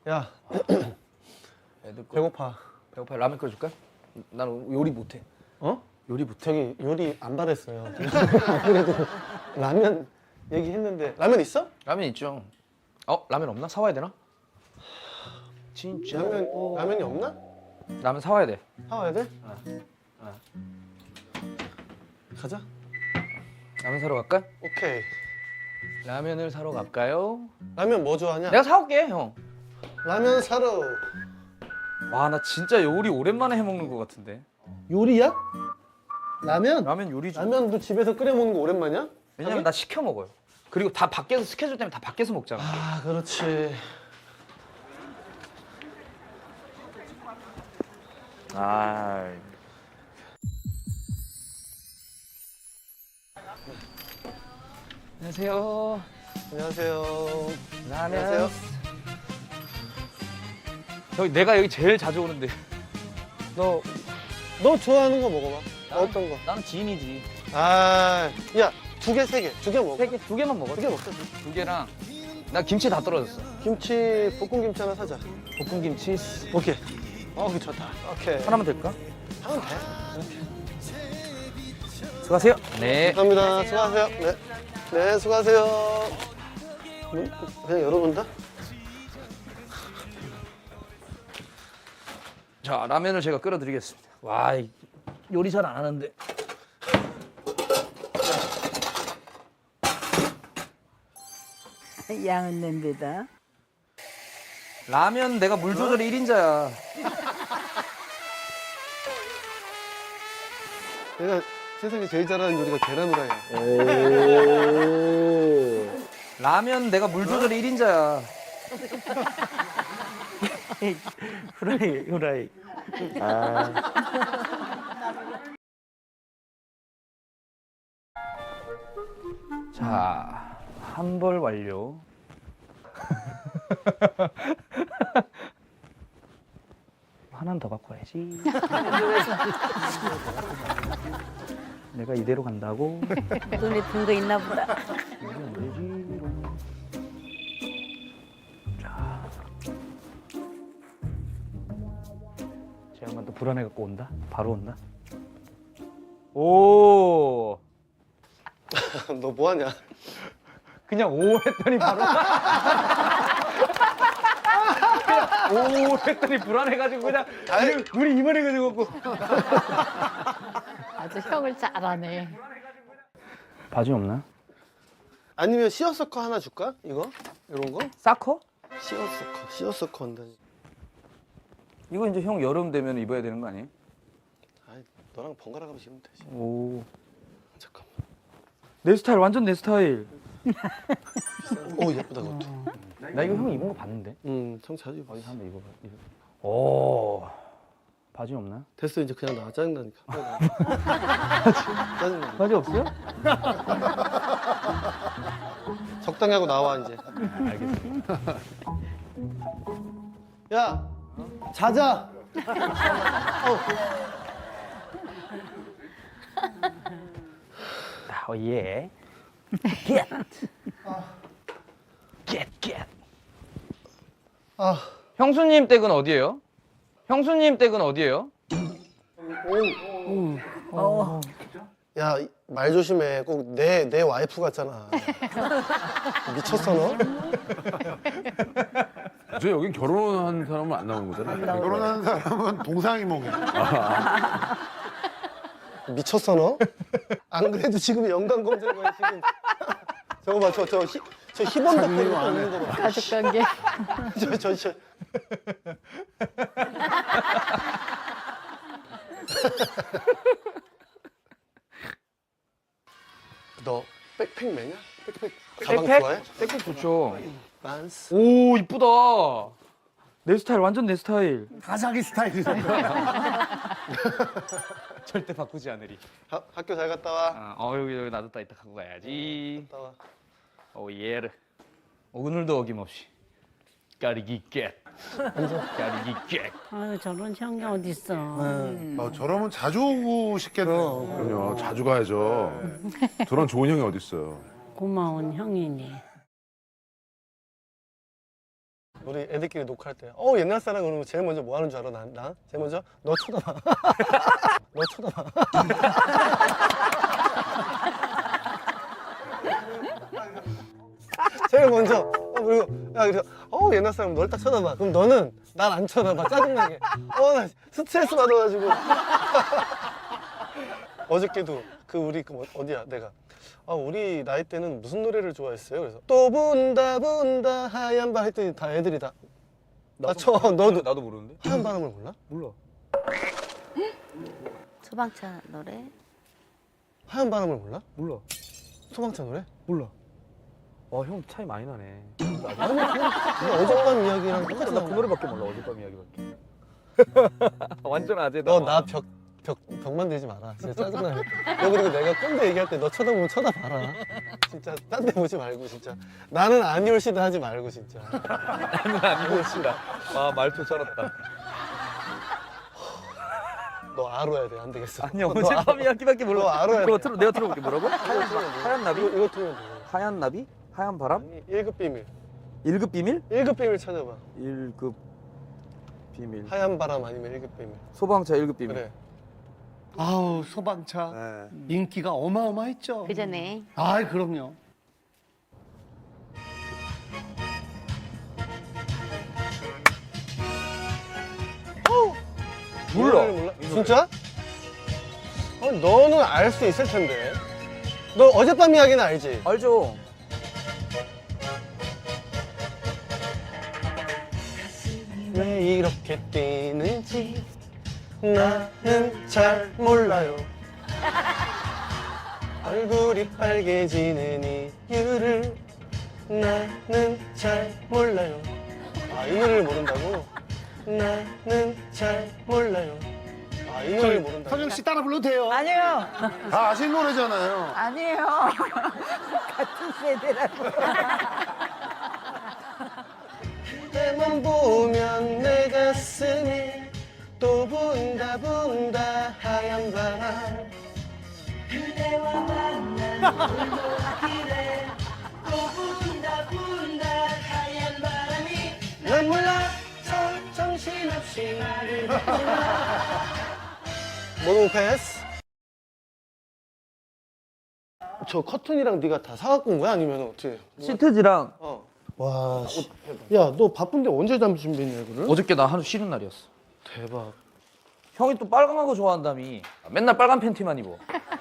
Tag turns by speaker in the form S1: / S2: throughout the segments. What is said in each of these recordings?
S1: 야,
S2: 애들 거
S1: 배고파.
S2: 배고파. 라면 끓여줄까? 나는 요리 못해.
S1: 어?
S2: 요리 못해.
S1: 저기 요리 안 받았어요. 그래도 라면 얘기했는데 라면 있어?
S2: 라면 있죠. 라면 없나? 사와야 되나? 진짜.
S1: 라면이 없나?
S2: 라면 사와야 돼.
S1: 사와야 돼? 가자.
S2: 라면 사러 갈까?
S1: 오케이.
S2: 라면을 사러 갈까요?
S1: 라면 뭐 좋아하냐?
S2: 내가 사올게, 형.
S1: 라면 사러.
S2: 와, 나 진짜 요리 오랜만에 해 먹는 것 같은데.
S1: 요리야? 라면?
S2: 라면 요리 좀.
S1: 라면도 집에서 끓여 먹는 거 오랜만이야?
S2: 왜냐면 나 시켜 먹어요. 그리고 다 밖에서 스케줄 때문에 다 밖에서 먹잖아.
S1: 아, 그렇지.
S2: 아. 안녕하세요.
S1: 안녕하세요.
S2: 라면.
S1: 안녕하세요.
S2: 내가 여기 제일 자주 오는데.
S1: 너 좋아하는 거 먹어봐. 어떤 거?
S2: 나는 지인이지.
S1: 아, 야, 두 개, 세 개. 두 개 먹어.
S2: 두 개만 먹어.
S1: 두 개 먹자.
S2: 두 개랑 나 김치 다 떨어졌어.
S1: 김치, 볶음 김치 하나 사자.
S2: 볶음 김치.
S1: 오케이. 그 좋다. 오케이.
S2: 하나만 될까?
S1: 하면 돼.
S2: 수고하세요. 네.
S1: 감사합니다. 수고하세요. 네. 네, 수고하세요. 문 그냥 열어본다?
S2: 자, 라면을 제가 끓여드리겠습니다. 와, 요리 잘 안 하는데.
S3: 양은 냄비다.
S2: 라면 내가 물 조절이 1인자야.
S1: 내가 세상에 제일 잘하는 요리가 계란 후라이야.
S2: 라면 내가 물 조절이 1인자야.
S3: 후라이.
S2: 자, 한 벌 완료. 하나는 더 갖고 와야지. 내가 이대로 간다고?
S3: 눈에 든 거 있나 보다.
S2: 이게 안 되지. 자, 제 양반 또 불안해 갖고 온다. 바로 온다. 오,
S1: 너 뭐하냐?
S2: 그냥 오 했더니 바로. 그냥 오 했더니 불안해가지고 그냥 눈이 이만해가지고.
S4: 아주 형을 잘하네.
S2: 바지 없나?
S1: 아니면 시어서커 하나 줄까? 이거? 이런 거?
S2: 사커?
S1: 시어서커 한다니.
S2: 이거 이제 형 여름 되면 입어야 되는 거 아니에요?
S1: 아이, 너랑 번갈아 가면서 입으면 되지.
S2: 오,
S1: 잠깐만.
S2: 내 스타일 완전 내 스타일.
S1: 오, 예쁘다, 그것도.
S2: 나 이거 형 입은 거 봤는데.
S1: 참 자주 입어.
S2: 어디 한번 입어봐. 오, 바지 없나?
S1: 됐어, 이제 그냥 나와. 짜증나니까. 짜증나.
S2: 바지 없어요?
S1: 적당히 하고 나와, 이제.
S2: 알겠습니다.
S1: 야, 자자.
S2: 예. Get. Get.
S1: 아,
S2: 형수님 댁은 어디예요? 형수님 댁은 어디예요?
S1: 야, 말 조심해. 꼭 내 와이프 같잖아. 미쳤어, 너?
S5: 저 여긴 결혼한 사람은 안 나오는 거잖아요.
S6: 결혼한 사람은 동상이몽이야.
S1: 미쳤어, 너? 안 그래도 지금 연관 검색어에 지금. 저거 봐, 저 희번 덕분 있는 거 봐.
S4: 가족관계.
S1: 저. 너 백팩 매냐? 백팩 가방 좋아해?
S2: 백팩 좋죠.
S1: 란스.
S2: 오, 이쁘다. 내 스타일 완전 내 스타일.
S6: 가사기 스타일이잖아.
S2: 절대 바꾸지 않으리.
S1: 학교 잘 갔다 와.
S2: 여기 놔뒀다 이따 갖고 가야지.
S1: 갔다 와.
S2: 오, 예르. 오늘도 어김없이. 까리기 깨. 까리기 깨.
S3: 아유 저런 형이 어딨어.
S6: 저러면 자주 오고 싶겠네요.
S5: 그럼요. 자주 가야죠. 저런 좋은 형이 어딨어요.
S3: 고마운 형이니.
S1: 우리 애들끼리 녹화할 때 옛날 사람 그러면 제일 먼저 뭐 하는 줄 알아? 나? 제일 먼저 너 쳐다봐. 너 쳐다봐. 제일 먼저 그리고 야 그래서 옛날 사람 널 딱 쳐다봐. 그럼 너는 날 안 쳐다봐. 짜증나게. 나 스트레스 받아가지고. 어저께도 우리 어디야 내가 우리 나이 때는 무슨 노래를 좋아했어요? 그래서 또 분다 분다 하얀 바람 했더니 다 애들이 다 너도
S2: 나도 모르는데.
S1: 하얀 바람을 몰라?
S2: 몰라.
S3: 소방차 노래.
S1: 하얀 바람을 몰라?
S2: 몰라.
S1: 소방차 노래?
S2: 몰라. 와, 형 차이 많이 나네.
S1: 아니 그냥 어젯밤 이야기랑 똑같이
S2: 나 그
S1: 나온
S2: 노래밖에 몰라. 어젯밤 이야기밖에. 완전 아재다.
S1: 너나 벽만 대지 마라. 진짜 짜증나. 너 그리고 내가 꼰대 얘기할 때 너 쳐다보면 쳐다봐라. 진짜 딴 데 보지 말고 진짜. 나는 아니올시다 하지 말고 진짜.
S2: 나는 아니고 싫다. 아, 말투 쩔었다.
S1: 너 알아야 돼. 안 되겠어.
S2: 아니, 어젯밤 이야기밖에 몰라.
S1: 너 알아야
S2: 그거
S1: 돼.
S2: 내가 들어볼게. 뭐라고? 하얀 나비?
S1: 이거 틀면 돼.
S2: 하얀 나비? 하얀 바람?
S1: 아니 1급 비밀.
S2: 1급 비밀?
S1: 1급 비밀 찾아봐.
S2: 1급 비밀.
S1: 하얀 바람 아니면 1급 비밀.
S2: 소방차 1급 비밀.
S1: 그래.
S6: 아우 소방차
S2: 네.
S6: 인기가 어마어마했죠.
S3: 그 전에
S6: 아 그럼요.
S2: 몰라.
S1: 몰라? 진짜? 너는 알 수 있을 텐데. 너 어젯밤 이야기는 알지?
S2: 알죠.
S1: 왜 이렇게 뛰는지 나는 잘 몰라요. 얼굴이 빨개지는 이유를 나는 잘 몰라요. 이 노래를 모른다고? 나는 잘 몰라요. 이 노래를 모른다고?
S6: 선영 씨 따라 불러도 돼요.
S3: 아니요.
S6: 다 아시는 노래잖아요.
S3: 아니에요. 같은 세대라고.
S1: 그때만 보면 내 가슴이 또 분다 분다 하얀 바람. 그대와 만난 골목길에 또 분다 분다 하얀 바람이 난 몰라 정신없이 모노 패스. 저 커튼이랑 네가 다 사갖고 온 거야? 아니면 어떻게?
S2: 시트지랑
S1: 와, 야, 너 바쁜데 언제 잠 준비했냐, 이거를?
S2: 어저께 나 하루 쉬는 날이었어.
S1: 대박.
S2: 형이 또 빨간 거 좋아한다며. 맨날 빨간 팬티만 입어.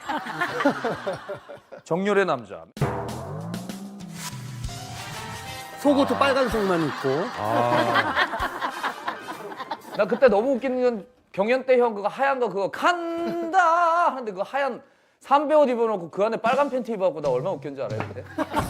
S2: 정열의 남자.
S6: 속옷도 빨간색만 입고.
S2: 나 그때 너무 웃기는 건 경연 때 형 그거 하얀 거 그거 간다 하는데 그거 하얀 삼배 옷 입어놓고 그 안에 빨간 팬티 입어갖고 나 얼마나 웃겼는지 알아요 그때?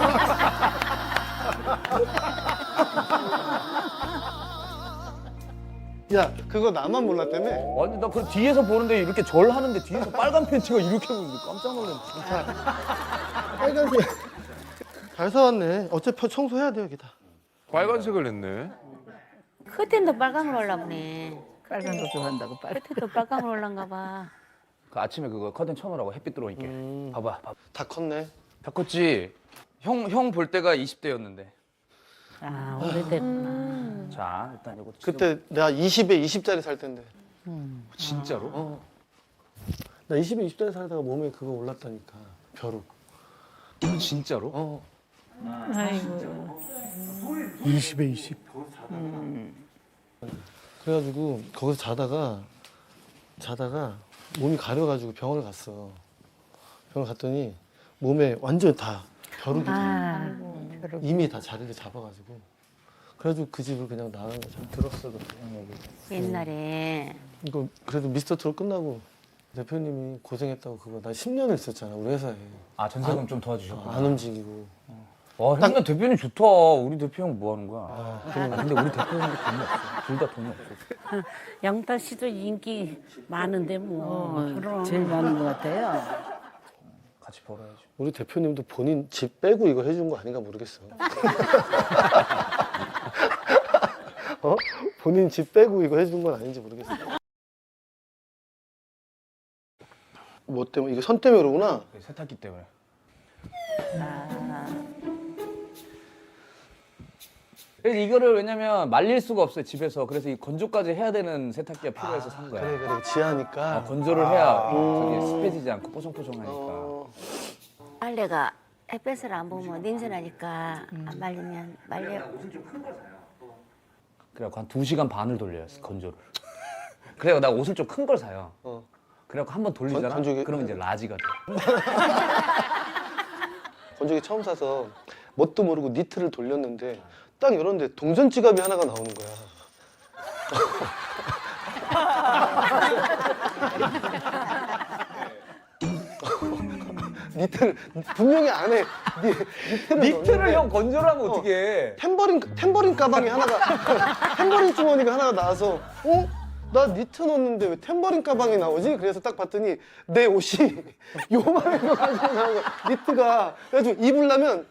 S1: 야, 그거 나만 몰랐다며?
S2: 아니 나 그 뒤에서 보는데 이렇게 절 하는데 뒤에서 빨간 팬티가 이렇게 보는데 깜짝 놀랐네.
S1: 빨간색. 잘 사왔네. 어차피 청소해야 돼, 여기다.
S5: 빨간색을 냈네.
S3: 커튼도 빨강으로 올라보네.
S4: 빨간 거 좋아한다고 빨간.
S3: 커튼도 빨강으로 올란가 봐.
S2: 그 아침에 그거 커튼 쳐놓으라고 햇빛 들어오니까. 봐봐.
S1: 다 컸네.
S2: 다 컸지? 형 볼 때가 20대였는데.
S3: 아, 오래됐구나.
S2: 자 일단 이거
S1: 그때 내가 20에 20짜리 살 텐데.
S2: 진짜로?
S1: 나 20에 20짜리 살다가 몸에 그거 올랐다니까. 벼룩.
S2: 진짜로?
S3: 아이고.
S6: 20에 20.
S1: 그래가지고 거기서 자다가 몸이 가려가지고 병원을 갔어. 병원 갔더니 몸에 완전 다 벼룩이 다 이미 다 자리를 잡아가지고 그래가지고 그 집을 그냥 나간 거죠.
S2: 들었어 그때 형 얘기.
S3: 옛날에
S1: 이거 그래도 미스터 트롯 끝나고 대표님이 고생했다고 그거 나 10년을 있었잖아 우리 회사에.
S2: 아 전세금 좀 도와주셨구나.
S1: 안 움직이고.
S2: 와 형님 대표님 좋다. 우리 대표 형 뭐 하는 거야? 근데 우리 대표 형도 돈이 없어. 둘 다 돈이 없어.
S3: 영탁 씨도 인기 많은데 뭐. 그럼.
S4: 제일 많은 것 같아요.
S2: 같이 벌어야지.
S1: 우리 대표님도 본인 집 빼고 이거 해준 거 아닌가 모르겠어. 본인 집 빼고 이거 해준 건 아닌지 모르겠어. 뭐 때문에? 이거 선 때문에 그러구나.
S2: 세탁기 때문에. 그래서 이거를 왜냐면 말릴 수가 없어요 집에서. 그래서 이 건조까지 해야 되는 세탁기가 필요해서 산 거야.
S1: 그래 지하니까.
S2: 건조를 해야 저기 습해지지 않고 뽀송뽀송하니까.
S7: 빨래가 햇볕을 안 보면 냄새 나니까 안 말리면 말려.
S2: 그래갖고 한 2시간 반을 돌려요 건조를. 그래서 나 옷을 좀 큰 걸 사요. 그래갖고 한 번 돌리잖아.
S1: 건조기-
S2: 그러면 이제 라지가 돼.
S1: 건조기 처음 사서 뭣도 모르고 니트를 돌렸는데 딱 이런데 동전 지갑이 하나가 나오는 거야. 니트를 분명히 안에 니트를
S2: 니트를
S1: 넣었는데
S2: 형 건조를 하면 어떻게 해?
S1: 템버린 가방이 하나가 템버린 주머니가 하나가 나와서 나 니트 넣었는데 왜 템버린 가방이 나오지? 그래서 딱 봤더니 내 옷이 요만한 거 가지고 나온 거야. 니트가. 그래가지고 입으려면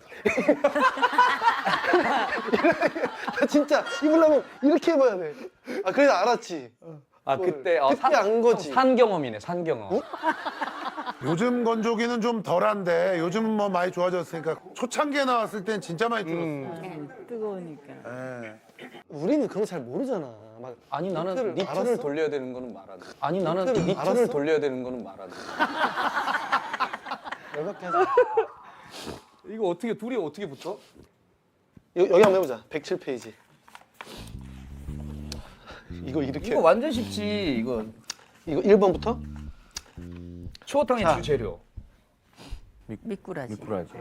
S1: 나 진짜 입으려면 이렇게 입어야 돼. 아 그래서 알았지.
S2: 아 그때
S1: 그때 안 거지.
S2: 산 경험이네 산 경험.
S6: 요즘 건조기는 좀 덜한데 요즘은 뭐 많이 좋아졌으니까 초창기에 나왔을 땐 진짜 많이 줄었어.
S4: 뜨거우니까.
S6: 예.
S1: 우리는 그런 거 잘 모르잖아. 막
S2: 아니 나는 니트를
S1: 알았어?
S2: 돌려야 되는 거는 말하네. 아니 나는
S1: 니트를
S2: 니트를
S1: 알았어?
S2: 돌려야 되는 거는 말하네.
S1: 열받게 하자.
S2: 이거 어떻게 둘이 어떻게 붙어?
S1: 여기 한번 해보자. 107페이지. 이거 이렇게.
S2: 이거 완전 쉽지 이거.
S1: 이거 1번부터?
S2: 추어탕의
S1: 자.
S2: 주재료.
S4: 미꾸라지.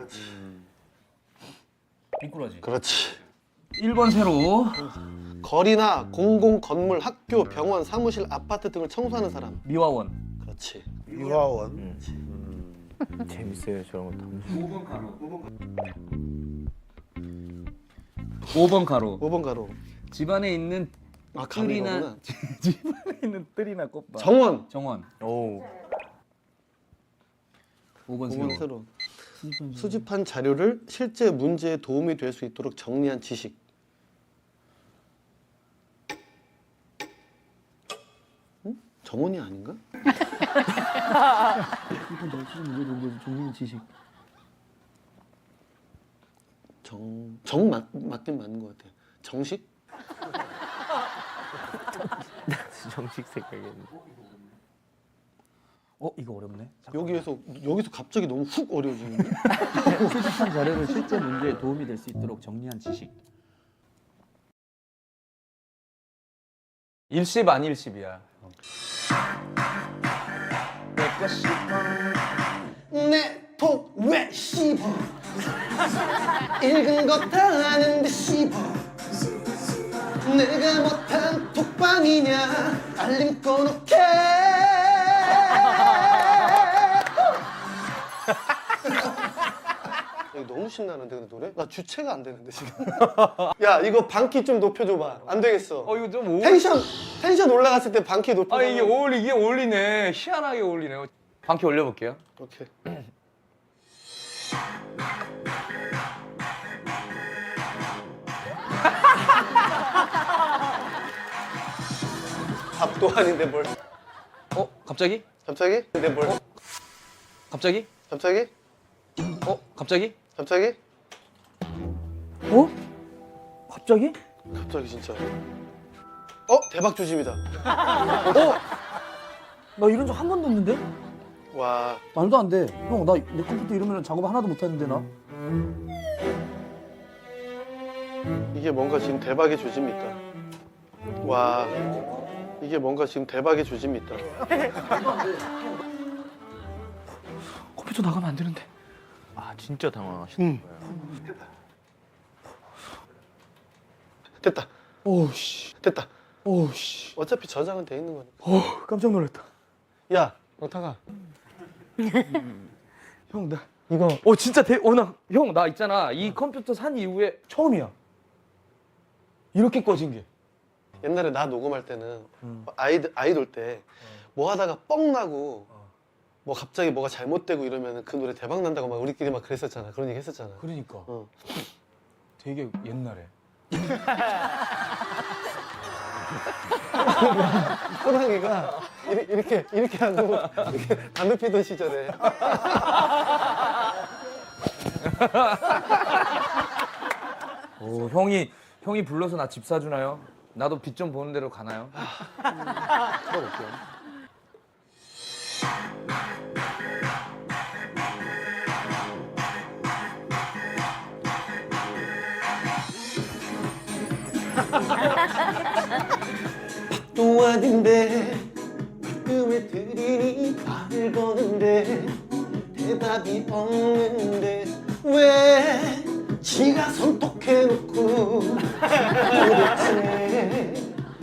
S2: 미꾸라지.
S1: 그렇지.
S2: 1번 세로.
S1: 거리나 공공 건물, 학교, 병원, 사무실, 아파트 등을 청소하는 사람.
S2: 미화원.
S1: 그렇지.
S6: 유화원.
S5: 재밌어요 저런 것도.
S2: 5번 가로.
S1: 5번 가로.
S2: 집안에 있는
S1: 아,
S2: 뜰이나
S1: 가로구나.
S2: 집안에 있는 뜰이나 꽃밭.
S1: 정원.
S2: 정원.
S5: 오.
S2: 5번
S1: 5번
S2: 세로.
S1: 세로. 수집한 자료를 실제 문제에 도움이 될 수 있도록 정리한 지식. 응? 정원이 아닌가? 맞긴 맞는 것 같아. 정식?
S5: 정식 생각했네.
S2: 이거 어렵네.
S1: 여기서 갑자기 너무 훅 어려워지는데?
S8: 수집한 자료를 실제 문제에 도움이 될 수 있도록 정리한 지식.
S2: 일십 안 일십이야. 내거 씹어.
S1: 내톡왜 씹어? 읽은 거 다 아는데 씹어. 내가 못한 톡방이냐? 알림 꺼놓게. 이거 너무 신나는데 근데 노래? 나 주체가 안 되는데 지금. 야 이거 반키 좀 높여줘봐. 안 되겠어.
S2: 이거 좀
S1: 텐션 올라갔을 때 반키 높여줘.
S2: 이게 어울리네. 희한하게 어울리네. 반키 올려볼게요.
S1: 오케이. 밥도 아닌데 뭘?
S2: 갑자기?
S1: 갑자기? 근데 뭘?
S2: 갑자기?
S1: 갑자기?
S2: 갑자기?
S1: 갑자기?
S2: 갑자기?
S1: 갑자기 진짜. 대박 조짐이다.
S8: 나 이런 적 한 번도 없는데?
S1: 와.
S8: 말도 안 돼. 형, 나 내 컴퓨터 이러면 작업 하나도 못 하는데 나?
S1: 이게 뭔가 지금 대박의 조짐이 있다. 와. 이게 뭔가 지금 대박의 조짐이 있다.
S8: 컴퓨터 나가면 안 되는데.
S5: 아 진짜 당황하시는 거야.
S1: 됐다.
S8: 오우씨.
S1: 됐다.
S8: 오우씨.
S1: 어차피 저장은 돼 있는 거니까.
S8: 깜짝 놀랐다.
S1: 야, 영탁아.
S8: 형, 나
S1: 이거
S2: 진짜 형, 나 있잖아. 이 컴퓨터 산 이후에
S8: 처음이야.
S2: 이렇게 꺼진 게.
S1: 옛날에 나 녹음할 때는 아이돌 때 뭐 하다가 뻥 나고 뭐 갑자기 뭐가 잘못되고 이러면 그 노래 대박 난다고 막 우리끼리 막 그랬었잖아. 그런 얘기 했었잖아.
S2: 그러니까.
S1: 되게
S2: 옛날에.
S1: 호랑이가 이렇게 하고 이렇게 담배 피던 시절에
S2: 형이 형이 불러서 나 집 사주나요? 나도 빚 좀 보는 대로 가나요?
S5: 들어볼게요.
S1: 또 아닌데 가끔을 들이니 말을 거는데 대답이 없는데 왜 지가 선톡해놓고 도대체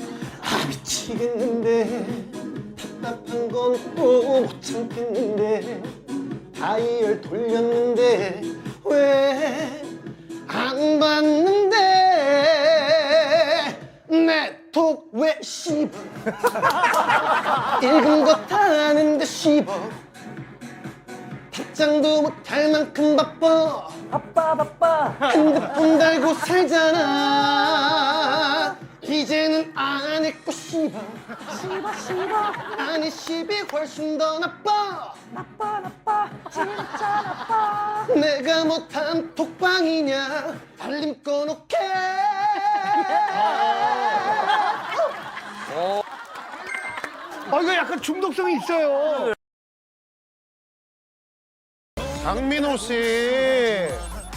S1: 미치겠는데 답답한 건 또 못 참겠는데 다이얼 돌렸는데 왜 안 받는데 내 톡 왜 씹어 읽은 거 다 아는데 씹어 답장도 못할 만큼 바빠 바빠 핸드폰 달고 살잖아 이제는 안 읽고 씹어 아니 씹이 훨씬 더 나빠 진짜 나빠 내가 못한 톡방이냐 알림 꺼놓게
S6: 이거 약간 중독성이 있어요. 장민호 씨.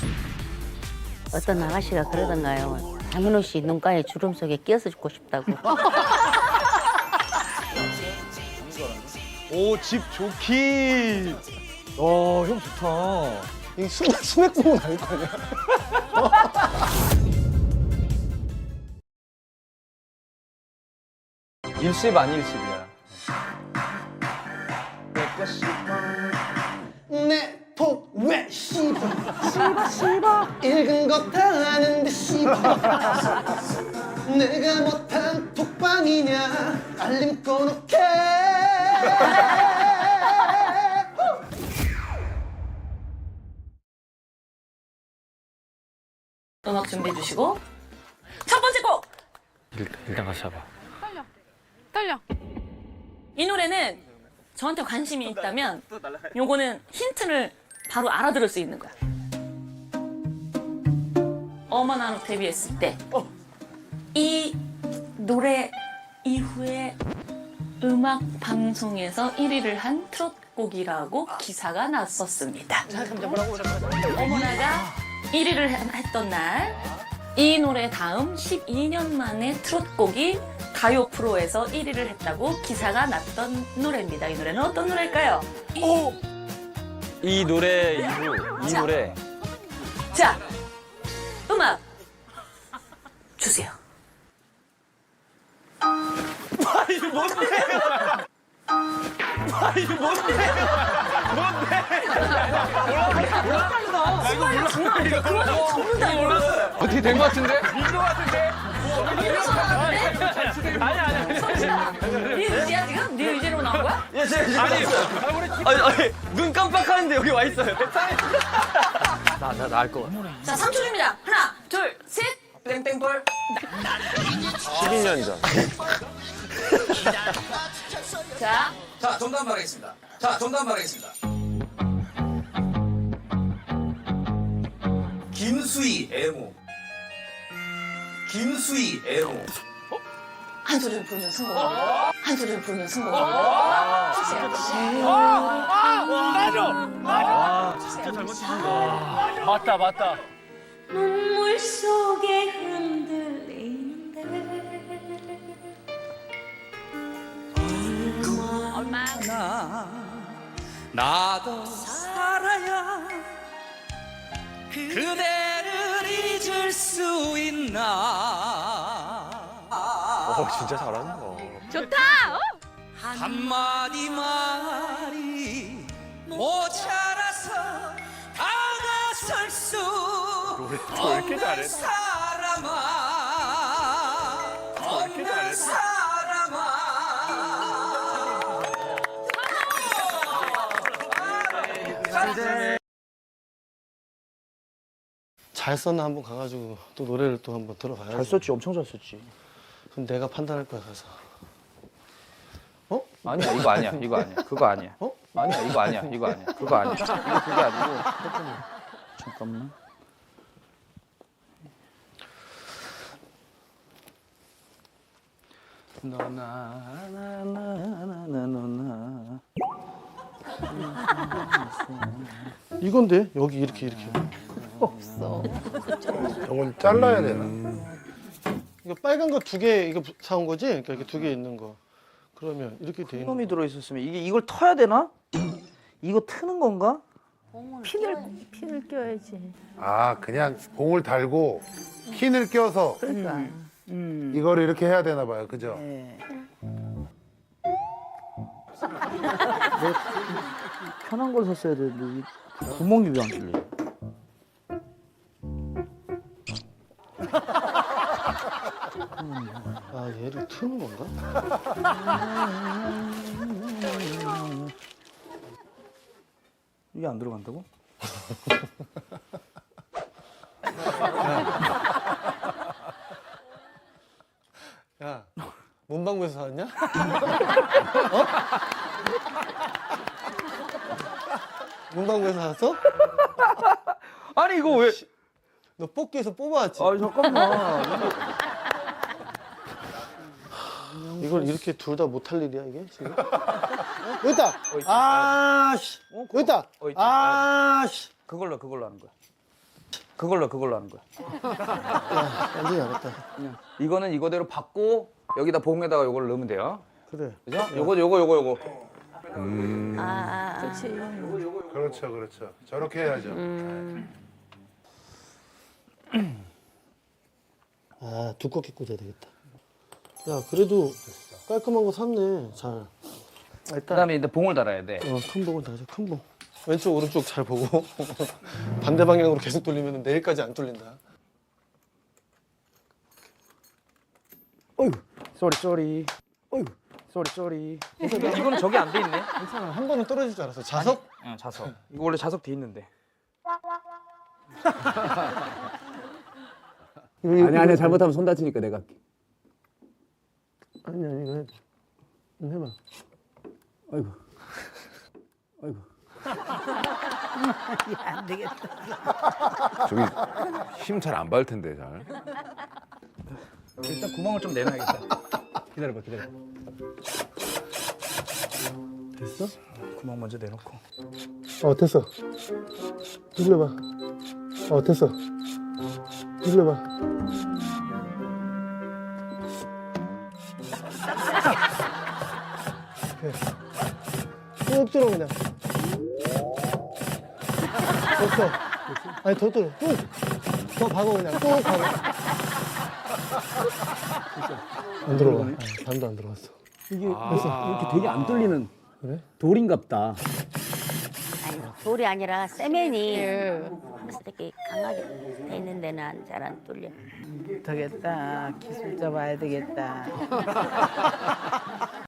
S7: 어떤 아가씨가 그러던가요. 장민호 씨 눈가에 주름 속에 끼어서 죽고 싶다고.
S5: 오, 집 좋기. 형 좋다.
S1: 이 스낵 보면 알 거 아니야
S2: 일십 아닐십이야.
S1: 내 톡 왜 씹어 읽은 거 다 아는데 씹어 내가 못한 톡방이냐 알림 꺼놓게
S9: 음악 준비해 주시고 첫 번째 곡!
S5: 일단 같이 잡아.
S9: 떨려. 이 노래는 저한테 관심이 있다면 요거는 힌트를 바로 알아들을 수 있는 거야. 어머나 데뷔했을 때 이 노래 이후에 음악 방송에서 1위를 한 트롯곡이라고 기사가 났었습니다. 어머나가 1위를 했던 날 이 노래 다음 12년 만에 트롯곡이 가요 프로에서 1위를 했다고 기사가 났던 노래입니다. 이 노래는 어떤 노래일까요?
S5: 이 노래 이후 이
S9: 자.
S5: 노래.
S9: 자, 음악 주세요.
S2: 어떻게 된 거 같은데?
S9: 네 의지야 지금? 네 의지로 나온 거야?
S5: 아니, 눈 깜빡하는데 여기 와 있어요. 나 알 것 같아.
S9: 자, 3초 줍니다. 하나, 둘, 셋. 땡땡볼.
S5: 12년 전.
S9: 자,
S2: 자, 정답 말하겠습니다. 김수희 애모.
S9: 한 소리를 부르면 성공. 한 소리를 부르면 성공. 주세요.
S5: 맞다.
S9: 눈물 속에 흔들리는데 얼마나
S10: 나도 살아야 그대를 잊을 수 있나
S5: 진짜 잘한다.
S10: 한마디 말이 모자라서 다가설 수 없는 사람아 없는 사람아
S1: 잘 썼나 한번 가가지고 또 노래를 또 한번 들어봐야지
S5: 잘 썼지, 엄청 잘 썼지.
S1: 그럼 내가 판단할 거야 가서
S2: 아니야, 이거 아니야. 그거 아니야. 아니야, 이거 아니야. 그거 아니야. 이거 그게 아니고.
S8: 잠깐만. 너나
S1: 이건데 여기 이렇게
S6: 저건 잘라야 되나?
S1: 이거 빨간 거 2개 이거 사온 거지? 그러니까 이게 2개 있는 거. 그러면 이렇게 돼 있는
S5: 놈이 들어있었으면 이걸 터야 되나? 이거 트는 건가?
S4: 핀을 껴야지.
S6: 아, 그냥 봉을 달고 핀을 껴서
S4: 그러니까.
S6: 이거를 이렇게 해야 되나 봐요. 그죠?
S4: 예.
S8: 편한 걸 샀어야 되는데 이 구멍이 왜 안 뚫려?
S1: 아 얘를 트는 건가?
S8: 이게 안 들어간다고?
S1: 야 문방구에서 사왔냐? 문방구에서 사왔어?
S5: 아니 이거 왜?
S1: 너 뽑기에서 뽑아왔지?
S5: 아 잠깐만.
S1: 이걸 이렇게 둘 다 못할 일이야 이게 지금? 여기 있다! 아씨! 여기 있다!
S2: 있지.
S1: 아씨!
S2: 그걸로 하는 거야. 그걸로 하는 거야.
S1: 완전히 알았다.
S2: 이거는 이거대로 받고 여기다 봉에다가 요걸 넣으면 돼요.
S1: 그래.
S2: 그죠? 요거.
S6: 그렇죠, 그렇죠. 저렇게 해야죠.
S1: 아 두껍게 꽂아야 되겠다. 야 그래도 깔끔한 거 샀네. 잘. 일단
S2: 그다음에 이제 봉을 달아야 돼.
S1: 큰 봉을 다져. 큰 봉. 왼쪽 오른쪽 잘 보고 반대 방향으로 계속 돌리면 내일까지 안 뚫린다.
S8: 어이구 쏘리 어이구 쏘리
S2: 이거는 저기 안 돼 있네.
S1: 괜찮아. 한 번은 떨어질 줄 알았어. 자석?
S2: 응, 자석. 이거 원래 자석 돼 있는데.
S8: 아니 잘못하면 손 다치니까 내가 할게.
S1: 아니 이거 해. 해봐.
S8: 아이고
S4: 안 되겠다.
S11: 저기 힘 잘 안 받을 텐데 잘.
S2: 일단 구멍을 좀 내놔야겠다.
S8: 기다려봐
S1: 됐어?
S2: 구멍 먼저 내놓고.
S1: 됐어. 눌러봐. 됐어. 눌러봐. 쭉 들어 그냥. 됐어. 아니 더 들어. 쭉. 더 박아 그냥. 쭉 박아. 안 들어가. 반도 안 들어갔어.
S8: 이게 이렇게 되게 안 뚫리는
S1: 그래?
S8: 돌인갑다.
S7: 아니 돌이 아니라 세면이 이렇게 강하게 돼 있는 데는 잘 안 뚫려.
S4: 되겠다. 기술자 봐야 되겠다.